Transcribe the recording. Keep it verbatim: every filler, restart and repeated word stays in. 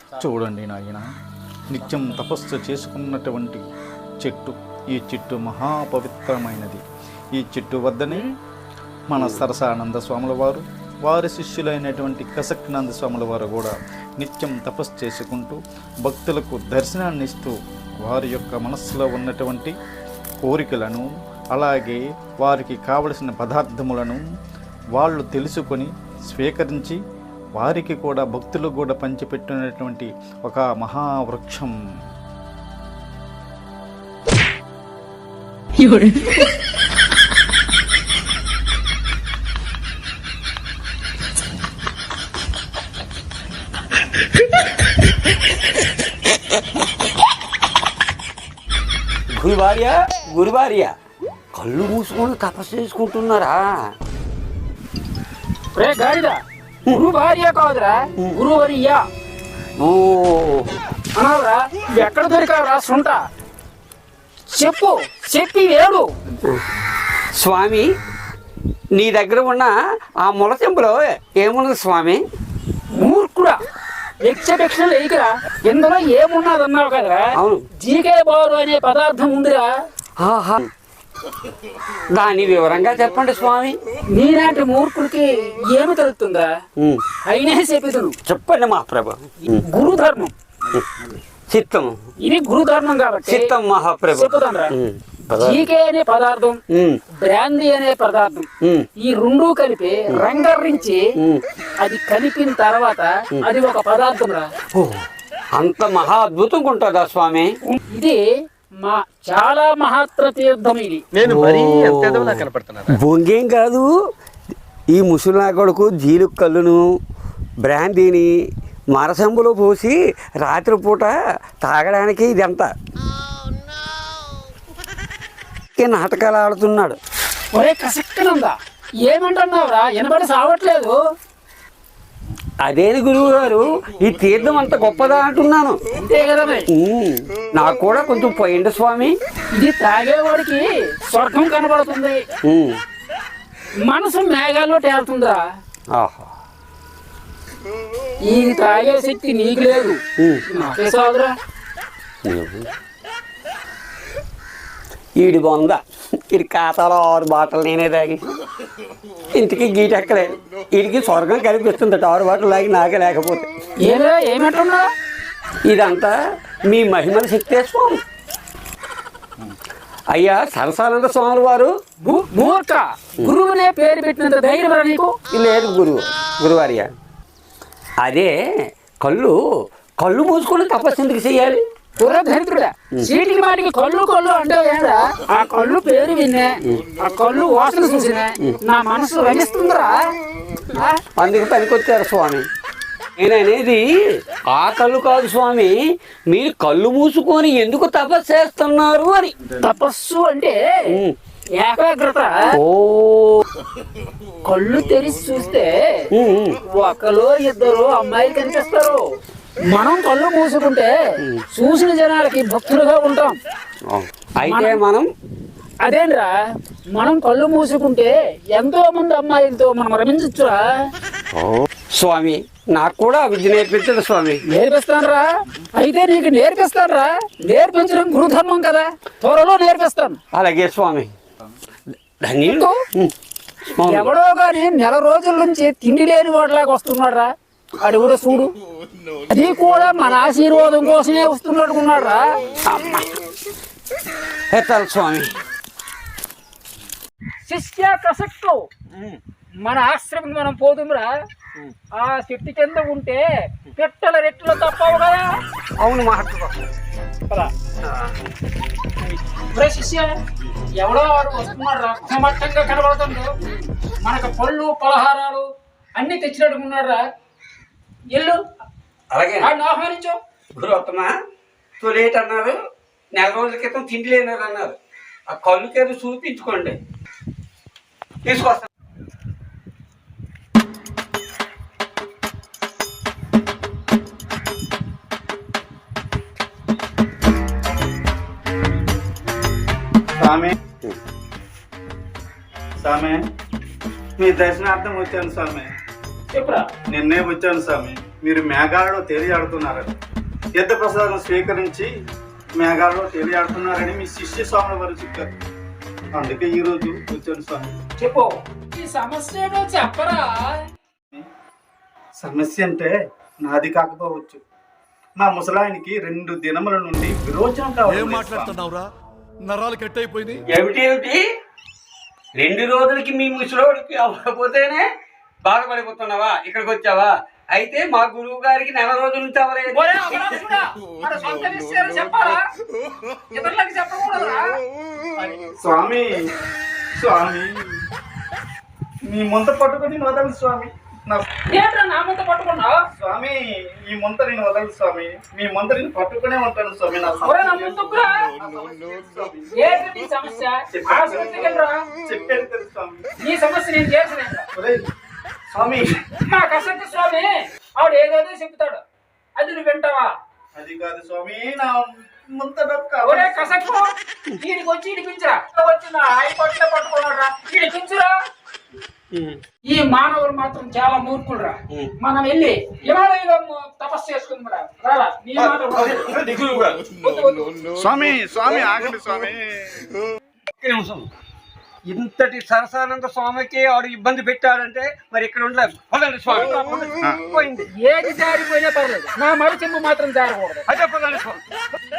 చూడండి నాయన, నిత్యం తపస్సు చేసుకున్నటువంటి చెట్టు. ఈ చెట్టు మహాపవిత్రమైనది. ఈ చెట్టు వద్దనే మన సరసానంద స్వాముల వారు, వారి శిష్యులైనటువంటి కసక్నంద స్వాముల వారు కూడా నిత్యం తపస్సు చేసుకుంటూ భక్తులకు దర్శనాన్ని ఇస్తూ వారి యొక్క మనస్సులో ఉన్నటువంటి కోరికలను, అలాగే వారికి కావలసిన పదార్థములను వాళ్ళు తెలుసుకొని స్వీకరించి వారికి కూడా భక్తులకు కూడా పంచిపెట్టినటువంటి ఒక మహావృక్షం. గురువార్య గురువార్య కళ్ళు మూసుకొని తపస్సు చేసుకుంటున్నారా? గురు భార్య కాదురా, గురువర్య. ఓ అనవరా, ఎక్కడ దొరికావురా సుంట? చెప్పు, చెప్పి వేడు. స్వామి, నీ దగ్గర ఉన్న ఆ ముల చెంపులో ఏమున్నది స్వామి? మూర్ఖుడా, యక్షభిక్ష లేకరా, ఇందులో ఏమున్నది అన్నావు కదరా? అవును, జీకే బారు అనే పదార్థం ఉందిరా. ఆహా, దాని వివరంగా చెప్పండి స్వామి. నీలాంటి మూర్ఖుడికి ఏమి తెలుస్తుందా? అయినా చెప్పేది చెప్పండి మహాప్రభు. గురుధర్మం చిత్తం, ఇది గురుధర్మం కాబట్టి చిత్తం మహాప్రభు. చెప్పుతాను. జీకే అనే పదార్థం, బ్రాందీ అనే పదార్థం, ఈ రెండు కలిపి రంగరించి అది కలిపిన తర్వాత అది ఒక పదార్థం రా. అంత మహా అద్భుతంగా ఉంటుందా స్వామి? ఇది మా చాలా మహత్తర తీర్థం. ఇది నేను మరీ ఎంత కనపడుతున్నా. బొంగేం కాదు, ఈ ముసలినా కొడుకు జీలు కళ్ళును బ్రాందీని మరసంబులో పోసి రాత్రిపూట తాగడానికి ఇదంతా నాటకాలు ఆడుతున్నాడు. ఒరే కసక్కనుందా, ఏమంటున్నావురా? వినబడి సావట్లేదు. అదేని గురువు గారు, ఈ తీర్థం అంత గొప్పదా అంటున్నాను. అంతే కదా మరి. నాకు కూడా కొంచెం పోయింది స్వామి. ఇది తాగేవాడికి స్వర్గం కనబడుతుంది, మనసు మేఘాల్లో తేలుతుందా. ఆహా, ఈ తాగే శక్తి నీకు లేదు, నాకే సాదురా. ఈడి బొంద, ఈడి ఖాతాలో ఆరు బాటలు నేనే తాగి ఇంటికి గీటెక్కలే. వీడికి స్వర్గం కనిపిస్తుంది ఆరు బాటలు తాగి, నాకే లేకపోతే. ఏరా ఏమంటున్నా? ఇదంతా మీ మహిమల శక్తే స్వామి. అయ్యా సరసానంద స్వాముల వారు, మూర్ఖ, గురువునే పేరు పెట్టినంత ధైర్యం నీకు లేదు గురువు గురువార్య. అదే కళ్ళు కళ్ళు మూసుకొని తపస్సు ఎందుకు చెయ్యాలి? దరిద్రుడా, చీటికి మాటికి కళ్ళు కళ్ళు అంటే ఏంటా? ఆ కళ్ళు పేరు విన్నే, ఆ కళ్ళు వాసన చూసినా నా మనసు రమిస్తుందిరా. అందుకు పనికొచ్చారు స్వామి. నేననేది ఆ కళ్ళు కాదు స్వామి, మీరు కళ్ళు మూసుకొని ఎందుకు తపస్సు చేస్తున్నారు అని. తపస్సు అంటే ఏకాగ్రత. ఓ, కళ్ళు తెరిచి చూస్తే ఒకరు ఇద్దరు అమ్మాయిలు కనిపిస్తారు. మనం కళ్ళు మూసుకుంటే చూసిన జనాలకి భక్తులుగా ఉంటాం. అయితే మనం అదేంద్రా, మనం కళ్ళు మూసుకుంటే ఎంతో మంది అమ్మాయిలతో మనం రమించచ్చురా. స్వామి, నాకు కూడా విద్య నేర్పించదు స్వామి. నేర్పిస్తానురా, అయితే నీకు నేర్పిస్తానురా. నేర్పించడం గురుధర్మం కదా, త్వరలో నేర్పిస్తాను. అలాగే స్వామి. ఎవడో గాని నెల రోజుల నుంచి తిండి లేని వాడిలాగా వస్తున్నాడు రా. అది కూడా చూడు, అది కూడా మన ఆశీర్వాదం కోసమే వస్తున్నట్టుకున్నాడు రా. ఎత్తాలి స్వామి. శిష్య కసక్కు, మన ఆశ్రమం మనం పోదుంరా. ఆ చెట్టు కింద ఉంటే పెట్టల రెట్లు తప్పవు కదా. అవును మహాత్మ. శిష్య, ఎవడో వాడు వస్తున్నాడు రా, సమర్థంగా కనబడుతుంది. మనకు పళ్ళు పలహారాలు అన్ని తెచ్చినట్టుకున్నాడు రా. ఎల్లు, అలాగే ఆహ్వానించు. గురువత్తమా, తొలేట్ అన్నారు, నెల రోజుల క్రితం తిండి లేనారు అన్నారు. ఆ కళ్ళు కేదో చూపించుకోండి, తీసుకొస్తాను. స్వామి, స్వామి, మీ దర్శనార్థం వచ్చాను స్వామి. చెప్పురా. నిన్నే వచ్చాను స్వామి. మీరు మేఘాలలో తేలియాడుతున్నారని, తీర్థప్రసాదం స్వీకరించి మేఘాలలో తేలియాడుతున్నారని మీ శిష్య స్వాముల వారు చెప్పారు. అందుకే ఈరోజు వచ్చాను స్వామి. చెప్పు ఈ సమస్య ఏదో చెప్పరా. సమస్య అంటే నాది కాకపోవచ్చు. మా ముసలాయనికి రెండు దినముల నుండి విరోచనం కావాలి. ఏం మాట్లాడుతున్నావురా? నరాలు కట్ అయిపోయింది. ఏమిటి ఏమిటి రెండు రోజులకి మీ ముసలోడికి అవ్వకపోతేనే బాధపడిపోతున్నావా? ఇక్కడికి వచ్చావా? అయితే మా గురువు గారికి నెల రోజుల నుంచి అవ్వలేదు. ఒరే అపరాధుడా, మన సొంత విషయాలు చెప్పాలా, ఇతరులకు చెప్పకూడదురా. స్వామి స్వామి మీ ముంత పట్టుకొని వదలు స్వామి. నా ఏంట్రా నా ముందు పట్టుకున్నావు? స్వామి ఈ ముంత నేను వదలు స్వామి. మీ ముంత నేను పట్టుకునే ఉంటాను స్వామి. నా ఒరే నా ముందుకురా. ఏంటి నీ సమస్య? ఆసుపత్రికి వెళ్ళరా. చెప్పాను కదా స్వామి. నీ సమస్య నేను చేసినా. ఒరేయ్ స్వామి, మా కసంత స్వామి ఆవిడ ఏదేదో చెప్తాడు, అది నువ్వు వింటావా? అది కాదు స్వామి, నా ముంత డొక్క. ఒరే కసక్కు, వీడికి వచ్చి ఇడిపించరా. వచ్చిన హైకోర్టులో పట్టుకున్నారా, ఇడిపించురా. ఈ మానవులు మాత్రం చాలా మూర్ఖులురా. మనం వెళ్ళి హిమాలయంలో తపస్సు చేసుకుందాం. రారా నీ మాట స్వామి స్వామి ఆగండి స్వామి. ఒక్క నిమిషం. ఇంతటి సరసానంద స్వామికి ఆడు ఇబ్బంది పెట్టాడంటే మరి ఇక్కడ ఉండలేదు. పదండి స్వామి. పోయింది. ఏది జారిపోయినా పర్లేదు, నా మరి చెంపు మాత్రం జారకూడదు. అదే పదండి స్వామి.